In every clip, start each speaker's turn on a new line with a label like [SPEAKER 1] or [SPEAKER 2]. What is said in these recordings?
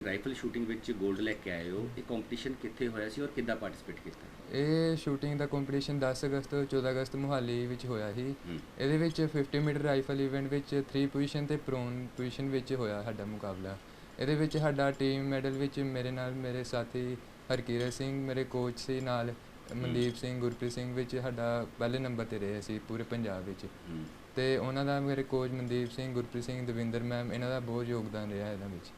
[SPEAKER 1] Rifle shooting ਵਿੱਚ 골ਡ ਲੈ ਕੇ ਆਏ ਹੋ, ਇਹ ਕੰਪੀਟੀਸ਼ਨ ਕਿੱਥੇ ਹੋਇਆ ਸੀ ਔਰ ਕਿੱਦਾਂ ਪਾਰਟਿਸਿਪੇਟ ਕੀਤਾ?
[SPEAKER 2] ਇਹ ਸ਼ੂਟਿੰਗ ਦਾ ਕੰਪੀਟੀਸ਼ਨ 10 ਅਗਸਤ ਤੋਂ 14 ਅਗਸਤ ਮੋਹਾਲੀ ਵਿੱਚ ਹੋਇਆ ਸੀ।
[SPEAKER 1] ਹੂੰ।
[SPEAKER 2] ਇਹਦੇ ਵਿੱਚ 50 ਮੀਟਰ ਰਾਈਫਲ ਇਵੈਂਟ ਵਿੱਚ 3 ਪੋਜੀਸ਼ਨ ਤੇ ਪ੍ਰੋਨ ਪੋਜੀਸ਼ਨ ਵਿੱਚ ਹੋਇਆ ਸਾਡਾ ਮੁਕਾਬਲਾ। ਇਹਦੇ ਵਿੱਚ ਸਾਡਾ ਟੀਮ ਮੈਡਲ ਵਿੱਚ ਮੇਰੇ ਨਾਲ ਮੇਰੇ ਸਾਥੀ ਹਰਕੀਰਤ ਸਿੰਘ, ਮੇਰੇ ਕੋਚ ਸੀ ਨਾਲ ਮਨਦੀਪ ਸਿੰਘ, ਗੁਰਪ੍ਰੀਤ ਸਿੰਘ ਵਿੱਚ ਸਾਡਾ ਪਹਿਲੇ ਨੰਬਰ 'ਤੇ ਰਹੇ ਸੀ ਪੂਰੇ ਪੰਜਾਬ ਵਿੱਚ। ਅਤੇ ਉਹਨਾਂ ਦਾ ਮੇਰੇ ਕੋਚ ਮਨਦੀਪ ਸਿੰਘ, ਗੁਰਪ੍ਰੀਤ ਸਿੰਘ, ਦਵਿੰਦਰ ਮੈਮ, ਇਹਨਾਂ ਦਾ ਬਹੁਤ ਯੋਗਦਾਨ ਰਿਹਾ ਇਹਨਾਂ ਵਿੱਚ।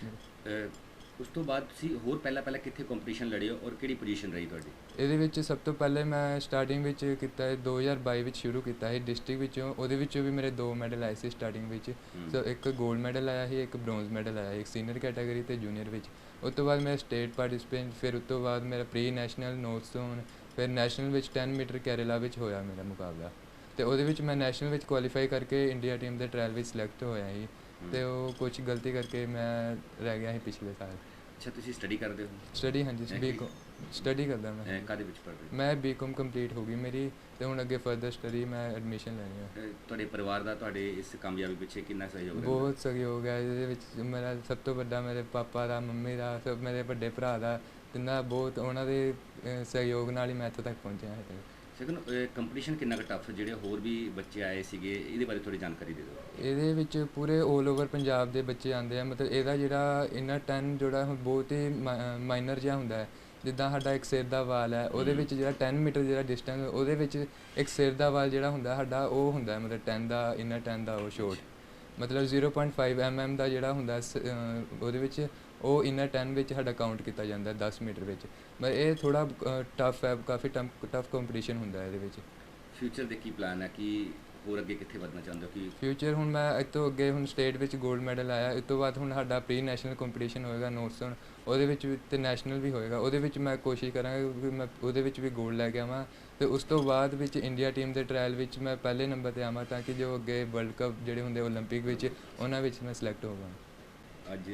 [SPEAKER 1] ਉਸ ਤੋਂ ਬਾਅਦ ਤੁਸੀਂ ਹੋਰ ਪਹਿਲਾਂ ਕਿੱਥੇ ਕੰਪੀਟੀਸ਼ਨ ਲੜੇ ਹੋ ਔਰ ਕਿਹੜੀ ਪੋਜੀਸ਼ਨ ਰਹੀ ਤੁਹਾਡੀ?
[SPEAKER 2] ਇਹਦੇ ਵਿੱਚ ਸਭ ਤੋਂ ਪਹਿਲੇ ਮੈਂ ਸਟਾਰਟਿੰਗ ਵਿੱਚ ਕੀਤਾ 2022 ਵਿੱਚ ਸ਼ੁਰੂ ਕੀਤਾ ਸੀ ਡਿਸਟ੍ਰਿਕਟ ਵਿੱਚੋਂ। ਉਹਦੇ ਵਿੱਚੋਂ ਵੀ ਮੇਰੇ 2 ਮੈਡਲ ਆਏ ਸੀ ਸਟਾਰਟਿੰਗ ਵਿੱਚ। ਸੋ ਇੱਕ 골ਡ ਮੈਡਲ ਆਇਆ ਸੀ, ਇੱਕ ਬ੍ਰੌਂਜ਼ ਮੈਡਲ ਆਇਆ ਸੀ, ਇੱਕ ਸੀਨੀਅਰ ਕੈਟਾਗਰੀ ਅਤੇ ਜੂਨੀਅਰ ਵਿੱਚ। ਉਸ ਤੋਂ ਬਾਅਦ ਮੇਰਾ ਸਟੇਟ ਪਾਰਟਿਸਪੇਟ, ਫਿਰ ਉਸ ਤੋਂ ਬਾਅਦ ਮੇਰਾ ਪ੍ਰੀ ਨੈਸ਼ਨਲ ਨੋਰਥ ਜ਼ੋਨ, ਫਿਰ ਨੈਸ਼ਨਲ ਵਿੱਚ 10 ਮੀਟਰ ਕੇਰਲਾ ਵਿੱਚ ਹੋਇਆ ਮੇਰਾ ਮੁਕਾਬਲਾ। ਅਤੇ ਉਹਦੇ ਵਿੱਚ ਮੈਂ ਨੈਸ਼ਨਲ ਵਿੱਚ ਕੁਆਲੀਫਾਈ ਕਰਕੇ ਇੰਡੀਆ ਟੀਮ ਦੇ ਟਰਾਇਲ ਵਿੱਚ ਸਿਲੈਕਟ ਹੋਇਆ ਸੀ। ਅਤੇ ਉਹ ਕੁਛ ਗਲਤੀ ਕਰਕੇ ਮੈਂ ਰਹਿ ਗਿਆ ਸੀ ਪਿਛਲੇ ਸਾਲ।
[SPEAKER 1] ਅੱਛਾ, ਤੁਸੀਂ ਸਟੱਡੀ ਕਰਦੇ ਹੋ?
[SPEAKER 2] ਸਟੱਡੀ, ਹਾਂਜੀ, ਬੀਕੌਮ ਸਟੱਡੀ ਕਰਦਾ ਮੈਂ।
[SPEAKER 1] ਕਾਹਦੇ ਵਿੱਚ ਪੜ੍ਹਦੇ?
[SPEAKER 2] ਮੈਂ ਬੀਕੌਮ ਕੰਪਲੀਟ ਹੋ ਗਈ ਮੇਰੀ, ਅਤੇ ਹੁਣ ਅੱਗੇ ਫਰਦਰ ਸਟੱਡੀ ਮੈਂ ਐਡਮਿਸ਼ਨ ਲੈਣੀ ਹੈ।
[SPEAKER 1] ਤੁਹਾਡੇ ਪਰਿਵਾਰ ਦਾ ਤੁਹਾਡੇ ਇਸ ਕਾਮਯਾਬੀ ਪਿੱਛੇ ਕਿੰਨਾ ਸਹਿਯੋਗ?
[SPEAKER 2] ਬਹੁਤ ਸਹਿਯੋਗ ਹੈ ਇਹਦੇ ਵਿੱਚ। ਮੇਰਾ ਸਭ ਤੋਂ ਵੱਡਾ ਮੇਰੇ ਪਾਪਾ ਦਾ, ਮੰਮੀ ਦਾ, ਸਭ ਮੇਰੇ ਵੱਡੇ ਭਰਾ ਦਾ, ਤਿੰਨਾਂ ਬਹੁਤ ਉਹਨਾਂ ਦੇ ਸਹਿਯੋਗ ਨਾਲ ਹੀ ਮੈਂ ਇੱਥੋਂ ਤੱਕ ਪਹੁੰਚਿਆ ਹੈ।
[SPEAKER 1] ਸੈਕੰਡ, ਕੰਪੀਟੀਸ਼ਨ ਕਿੰਨਾ ਕੁ ਟਫ, ਜਿਹੜੇ ਹੋਰ ਵੀ ਬੱਚੇ ਆਏ ਸੀਗੇ, ਇਹਦੇ ਬਾਰੇ ਥੋੜ੍ਹੀ ਜਾਣਕਾਰੀ ਦੇ ਦਿਓ।
[SPEAKER 2] ਇਹਦੇ ਵਿੱਚ ਪੂਰੇ 올 ਓਵਰ ਪੰਜਾਬ ਦੇ ਬੱਚੇ ਆਉਂਦੇ ਆ। ਮਤਲਬ ਇਹਦਾ ਜਿਹੜਾ ਇਨਰ 10 ਜਿਹੜਾ ਬਹੁਤ ਹੀ ਮਾਈਨਰ ਜਿਹਾ ਹੁੰਦਾ ਹੈ। ਜਿੱਦਾਂ ਸਾਡਾ ਇੱਕ ਸਿਰ ਦਾ ਵਾਲ ਹੈ, ਉਹਦੇ ਵਿੱਚ ਜਿਹੜਾ 10 ਮੀਟਰ ਜਿਹੜਾ ਡਿਸਟੈਂਸ, ਉਹਦੇ ਵਿੱਚ ਇੱਕ ਸਿਰ ਦਾ ਵਾਲ ਜਿਹੜਾ ਹੁੰਦਾ ਸਾਡਾ, ਉਹ ਹੁੰਦਾ ਮਤਲਬ 10 ਦਾ, ਇਨਰ 10 ਦਾ ਉਹ ਸ਼ੋਟ। ਮਤਲਬ 0.5 mm ਦਾ ਜਿਹੜਾ ਹੁੰਦਾ ਉਹਦੇ ਵਿੱਚ, ਉਹ ਇਨਰ 10 ਵਿੱਚ ਸਾਡਾ ਕਾਊਂਟ ਕੀਤਾ ਜਾਂਦਾ 10 ਮੀਟਰ ਵਿੱਚ। ਪਰ ਇਹ ਥੋੜ੍ਹਾ ਟਫ ਹੈ, ਕਾਫੀ ਟਫ ਕੰਪੀਟੀਸ਼ਨ ਹੁੰਦਾ ਇਹਦੇ ਵਿੱਚ।
[SPEAKER 1] ਫਿਊਚਰ ਦੇ ਕੀ ਪਲਾਨ ਹੈ, ਕਿ ਹੋਰ ਅੱਗੇ ਕਿੱਥੇ ਵਧਣਾ ਚਾਹੁੰਦੇ ਹੋ? ਕਿ
[SPEAKER 2] ਫਿਊਚਰ ਹੁਣ ਮੈਂ ਇਸ ਤੋਂ ਅੱਗੇ ਹੁਣ ਸਟੇਟ ਵਿੱਚ 골ਡ ਮੈਡਲ ਆਇਆ, ਇਸ ਤੋਂ ਬਾਅਦ ਹੁਣ ਸਾਡਾ ਪ੍ਰੀ ਨੈਸ਼ਨਲ ਕੰਪੀਟੀਸ਼ਨ ਹੋਏਗਾ ਨੋਰਥ ਜ਼ੋਨ, ਉਹਦੇ ਵਿੱਚ ਅਤੇ ਨੈਸ਼ਨਲ ਵੀ ਹੋਏਗਾ। ਉਹਦੇ ਵਿੱਚ ਮੈਂ ਕੋਸ਼ਿਸ਼ ਕਰਾਂਗਾ ਕਿ ਮੈਂ ਉਹਦੇ ਵਿੱਚ ਵੀ 골ਡ ਲੈ ਕੇ ਆਵਾਂ, ਅਤੇ ਉਸ ਤੋਂ ਬਾਅਦ ਵਿੱਚ ਇੰਡੀਆ ਟੀਮ ਦੇ ਟਰਾਇਲ ਵਿੱਚ ਮੈਂ ਪਹਿਲੇ ਨੰਬਰ 'ਤੇ ਆਵਾਂ, ਤਾਂ ਕਿ ਜੋ ਅੱਗੇ ਵਰਲਡ ਕੱਪ ਜਿਹੜੇ ਹੁੰਦੇ ਓਲੰਪਿਕ ਵਿੱਚ, ਉਹਨਾਂ ਵਿੱਚ ਮੈਂ ਸਿਲੈਕਟ ਹੋਵਾਂ।
[SPEAKER 1] ਅੱਜ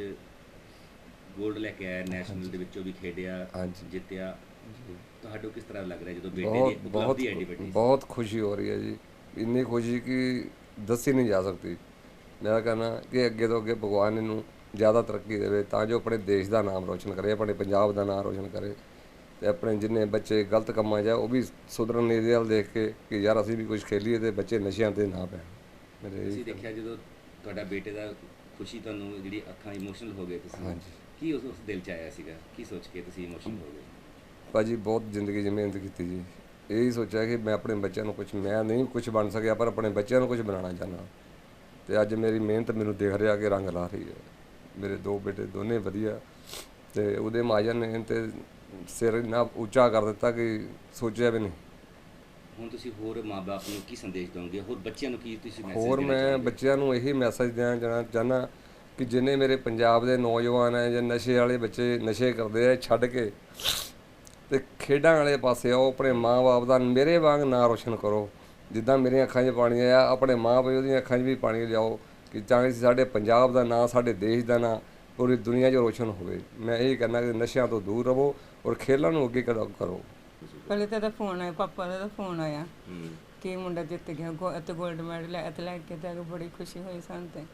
[SPEAKER 1] 골ਡ ਲੈ ਕੇ ਆਇਆ, ਨੈਸ਼ਨਲ ਦੇ ਵਿੱਚੋਂ ਵੀ ਖੇਡਿਆ, ਜਿੱਤਿਆ, ਤੁਹਾਨੂੰ ਕਿਸ ਤਰ੍ਹਾਂ ਲੱਗ ਰਿਹਾ ਜਦੋਂ ਬੇਟੇ ਦੀ ਉਪਲਬਧੀ ਐਡੀ ਵੱਡੀ?
[SPEAKER 3] ਬਹੁਤ ਖੁਸ਼ੀ ਹੋ ਰਹੀ ਹੈ ਜੀ, ਇੰਨੀ ਖੁਸ਼ੀ ਕਿ ਦੱਸੀ ਨਹੀਂ ਜਾ ਸਕਦੀ। ਮੇਰਾ ਕਹਿਣਾ ਕਿ ਅੱਗੇ ਤੋਂ ਅੱਗੇ ਭਗਵਾਨ ਇਹਨੂੰ ਜ਼ਿਆਦਾ ਤਰੱਕੀ ਦੇਵੇ, ਤਾਂ ਜੋ ਆਪਣੇ ਦੇਸ਼ ਦਾ ਨਾਮ ਰੋਸ਼ਨ ਕਰੇ, ਆਪਣੇ ਪੰਜਾਬ ਦਾ ਨਾਮ ਰੋਸ਼ਨ ਕਰੇ, ਅਤੇ ਆਪਣੇ ਜਿੰਨੇ ਬੱਚੇ ਗਲਤ ਕੰਮਾਂ 'ਚ ਆ ਉਹ ਵੀ ਸੁਧਰਨ ਇਹਦੇ ਵੱਲ ਦੇਖ ਕੇ ਕਿ ਯਾਰ ਅਸੀਂ ਵੀ ਕੁਝ ਖੇਲੀਏ ਅਤੇ ਬੱਚੇ ਨਸ਼ਿਆਂ 'ਤੇ ਨਾ ਪੈਣ।
[SPEAKER 1] ਤੁਸੀਂ ਦੇਖਿਆ ਜਦੋਂ ਤੁਹਾਡਾ ਬੇਟੇ ਦਾ ਖੁਸ਼ੀ, ਤੁਹਾਨੂੰ ਜਿਹੜੀ ਅੱਖਾਂ ਇਮੋਸ਼ਨਲ ਹੋ ਗਏ ਤੁਸੀਂ?
[SPEAKER 3] ਹਾਂਜੀ।
[SPEAKER 1] ਕੀ ਉਸ ਦਿਲ 'ਚ ਆਇਆ ਸੀਗਾ, ਕੀ ਸੋਚ ਕੇ ਤੁਸੀਂ ਇਮੋਸ਼ਨਲ ਹੋ ਗਏ?
[SPEAKER 3] ਭਾਜੀ ਬਹੁਤ ਜ਼ਿੰਦਗੀ 'ਚ ਮਿਹਨਤ ਕੀਤੀ ਜੀ, ਇਹੀ ਸੋਚਿਆ ਕਿ ਮੈਂ ਆਪਣੇ ਬੱਚਿਆਂ ਨੂੰ ਮੈਂ ਨਹੀਂ ਕੁਝ ਬਣ ਸਕਿਆ, ਪਰ ਆਪਣੇ ਬੱਚਿਆਂ ਨੂੰ ਕੁਝ ਬਣਾਉਣਾ ਚਾਹੁੰਦਾ, ਅਤੇ ਅੱਜ ਮੇਰੀ ਮਿਹਨਤ ਮੈਨੂੰ ਦਿਖ ਰਿਹਾ ਕਿ ਰੰਗ ਲਾ ਰਹੀ ਹੈ। ਮੇਰੇ 2 ਬੇਟੇ ਦੋਨੇ ਵਧੀਆ, ਅਤੇ ਉਹਦੇ ਮਹਾਜਨ ਨੇ ਤੇ ਸਿਰ ਇੰਨਾ ਉੱਚਾ ਕਰ ਦਿੱਤਾ ਕਿ ਸੋਚਿਆ ਵੀ ਨਹੀਂ।
[SPEAKER 1] ਹੁਣ ਤੁਸੀਂ ਹੋਰ ਮਾਂ-ਬਾਪ ਨੂੰ ਕੀ ਸੰਦੇਸ਼ ਦਿਓਗੇ, ਹੋਰ ਬੱਚਿਆਂ ਨੂੰ ਕੀ ਤੁਸੀਂ ਮੈਸੇਜ?
[SPEAKER 3] ਹੋਰ ਮੈਂ ਬੱਚਿਆਂ ਨੂੰ ਇਹੀ ਮੈਸੇਜ ਦੇਣਾ ਚਾਹੁੰਦਾ ਕਿ ਜਿੰਨੇ ਮੇਰੇ ਪੰਜਾਬ ਦੇ ਨੌਜਵਾਨ ਹੈ ਜਾਂ ਨਸ਼ੇ ਵਾਲੇ ਬੱਚੇ ਨਸ਼ੇ ਕਰਦੇ ਆ, ਛੱਡ ਕੇ ਅਤੇ ਖੇਡਾਂ ਵਾਲੇ ਪਾਸੇ ਆਓ, ਆਪਣੇ ਮਾਂ-ਬਾਪ ਦਾ ਮੇਰੇ ਵਾਂਗ ਨਾਂ ਰੋਸ਼ਨ ਕਰੋ। ਜਿੱਦਾਂ ਮੇਰੀਆਂ ਅੱਖਾਂ 'ਚ ਪਾਣੀ ਆਇਆ, ਆਪਣੇ ਮਾਂ-ਪਿਓ ਦੀਆਂ ਅੱਖਾਂ 'ਚ ਵੀ ਪਾਣੀ ਲਿਆਓ, ਕਿ ਤਾਂ ਕਿ ਸਾਡੇ ਪੰਜਾਬ ਦਾ ਨਾਂ, ਸਾਡੇ ਦੇਸ਼ ਦਾ ਨਾਂ ਪੂਰੀ ਦੁਨੀਆ 'ਚ ਰੋਸ਼ਨ ਹੋਵੇ। ਮੈਂ ਇਹ ਕਹਿੰਦਾ ਕਿ ਨਸ਼ਿਆਂ ਤੋਂ ਦੂਰ ਰਹੋ ਔਰ ਖੇਲਾਂ ਨੂੰ ਅੱਗੇ ਕਰੋ।
[SPEAKER 4] ਪਹਿਲੇ ਤਾਂ ਫੋਨ ਆਇਆ, ਪਾਪਾ ਦਾ ਫੋਨ ਆਇਆ ਕਿ ਮੁੰਡਾ ਜਿੱਤ ਗਿਆ ਅਤੇ 골ਡ ਮੈਡਲ ਲੈ ਕੇ, ਤਾਂ ਬੜੀ ਖੁਸ਼ੀ ਹੋਈ ਸਾਨੂੰ। ਤੇ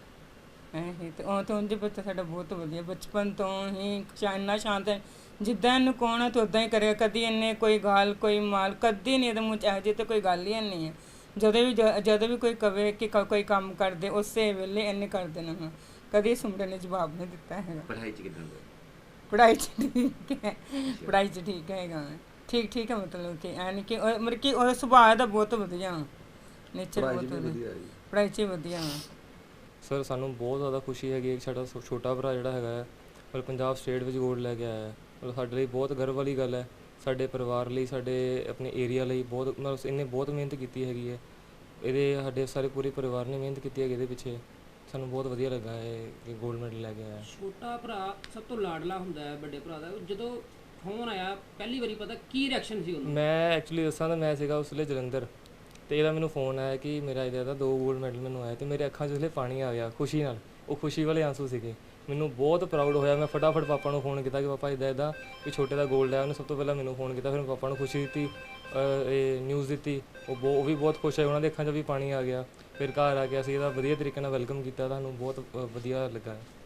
[SPEAKER 4] ਇਹੀ ਤੇ ਉਹ ਤਾਂ ਉਂਝ ਬੱਚਾ ਸਾਡਾ ਬਹੁਤ ਵਧੀਆ, ਬਚਪਨ ਤੋਂ ਹੀ ਇੰਨਾ ਸ਼ਾਂਤ ਹੈ, ਜਿੱਦਾਂ ਇਹਨੂੰ ਕੌਣ ਤਾਂ ਉੱਦਾਂ ਹੀ ਕਰੇਗਾ। ਕਦੀ ਇਹਨੇ ਕੋਈ ਗਾਲ, ਕੋਈ ਮਾਲ ਕਦੀ ਨਹੀਂ ਇਹਦੇ ਮੂੰਹ 'ਚ ਇਹੋ ਜਿਹੀ ਤਾਂ ਕੋਈ ਗੱਲ ਹੀ ਨਹੀਂ ਹੈ। ਜਦੋਂ ਵੀ ਕੋਈ ਕਵੇ ਕਿ ਕੋਈ ਕੰਮ ਕਰਦੇ, ਉਸੇ ਵੇਲੇ ਇਹਨੇ ਕਰ ਦੇਣਾ। ਹਾਂ, ਕਦੀ ਸੁਮਰੇ ਨੇ ਜਵਾਬ ਨਹੀਂ ਦਿੱਤਾ ਹੈਗਾ।
[SPEAKER 1] ਪੜ੍ਹਾਈ 'ਚ ਕਿੱਦਾਂ?
[SPEAKER 4] ਪੜ੍ਹਾਈ 'ਚ ਠੀਕ ਹੈ, ਪੜ੍ਹਾਈ 'ਚ ਠੀਕ ਹੈਗਾ, ਠੀਕ ਹੈ। ਮਤਲਬ ਕਿ ਐ ਨਹੀਂ ਕਿ ਮਤਲਬ ਕਿ ਉਹ ਸੁਭਾਅ ਦਾ ਬਹੁਤ ਵਧੀਆ, ਨੇਚਰ ਬਹੁਤ ਵਧੀਆ, ਪੜ੍ਹਾਈ 'ਚ ਵਧੀਆ।
[SPEAKER 5] ਸਰ ਸਾਨੂੰ ਬਹੁਤ ਜ਼ਿਆਦਾ ਖੁਸ਼ੀ ਹੈਗੀ ਹੈ। ਸਾਡਾ ਛੋਟਾ ਭਰਾ ਜਿਹੜਾ ਹੈਗਾ ਹੈ, ਪਰ ਪੰਜਾਬ ਸਟੇਟ ਵਿੱਚ 골ਡ ਲੈ ਕੇ ਆਇਆ ਹੈ। ਮਤਲਬ ਸਾਡੇ ਲਈ ਬਹੁਤ ਗਰਵ ਵਾਲੀ ਗੱਲ ਹੈ, ਸਾਡੇ ਪਰਿਵਾਰ ਲਈ, ਸਾਡੇ ਆਪਣੇ ਏਰੀਆ ਲਈ ਬਹੁਤ, ਮਤਲਬ ਇਹਨੇ ਬਹੁਤ ਮਿਹਨਤ ਕੀਤੀ ਹੈਗੀ ਹੈ। ਸਾਡੇ ਸਾਰੇ ਪੂਰੇ ਪਰਿਵਾਰ ਨੇ ਮਿਹਨਤ ਕੀਤੀ ਹੈਗੀ ਇਹਦੇ ਪਿੱਛੇ। ਸਾਨੂੰ ਬਹੁਤ ਵਧੀਆ ਲੱਗਾ ਹੈ ਕਿ 골ਡ ਮੈਡਲ ਲੈ ਕੇ ਆਇਆ।
[SPEAKER 6] ਛੋਟਾ ਭਰਾ ਸਭ ਤੋਂ ਲਾਡਲਾ ਹੁੰਦਾ ਹੈ ਵੱਡੇ ਭਰਾ ਦਾ। ਜਦੋਂ ਫੋਨ ਆਇਆ ਪਹਿਲੀ ਵਾਰੀ, ਪਤਾ ਕੀ ਰਿਐਕਸ਼ਨ ਸੀ ਉਹਨੂੰ?
[SPEAKER 5] ਮੈਂ ਐਕਚੁਅਲੀ ਦੱਸਾਂ ਤਾਂ ਮੈਂ ਸੀਗਾ ਉਸ ਵੇਲੇ ਜਲੰਧਰ, ਅਤੇ ਇਹਦਾ ਮੈਨੂੰ ਫੋਨ ਆਇਆ ਕਿ ਮੇਰਾ ਇਹਦਾ 2 골ਡ ਮੈਡਲ ਮੈਨੂੰ ਆਇਆ, ਅਤੇ ਮੇਰੇ ਅੱਖਾਂ 'ਚ ਉਸ ਵੇਲੇ ਪਾਣੀ ਆ ਗਿਆ ਖੁਸ਼ੀ ਨਾਲ। ਉਹ ਖੁਸ਼ੀ ਵਾਲੇ ਆਂਸੂ ਸੀਗੇ, ਮੈਨੂੰ ਬਹੁਤ ਪ੍ਰਾਊਡ ਹੋਇਆ। ਮੈਂ ਫਟਾਫਟ ਪਾਪਾ ਨੂੰ ਫੋਨ ਕੀਤਾ ਕਿ ਪਾਪਾ ਇੱਦਾਂ ਕਿ ਛੋਟੇ ਦਾ 골ਡ ਆਇਆ। ਉਹਨੇ ਸਭ ਤੋਂ ਪਹਿਲਾਂ ਮੈਨੂੰ ਫੋਨ ਕੀਤਾ, ਫਿਰ ਪਾਪਾ ਨੂੰ ਖੁਸ਼ੀ ਦਿੱਤੀ, ਇਹ ਨਿਊਜ਼ ਦਿੱਤੀ। ਉਹ ਵੀ ਬਹੁਤ ਖੁਸ਼ ਹੋਏ, ਉਹਨਾਂ ਦੇ ਅੱਖਾਂ 'ਚ ਵੀ ਪਾਣੀ ਆ ਗਿਆ। ਫਿਰ ਘਰ ਆ ਕੇ ਅਸੀਂ ਇਹਦਾ ਵਧੀਆ ਤਰੀਕੇ ਨਾਲ ਵੈਲਕਮ ਕੀਤਾ, ਤੁਹਾਨੂੰ ਬਹੁਤ ਵਧੀਆ ਲੱਗਾ।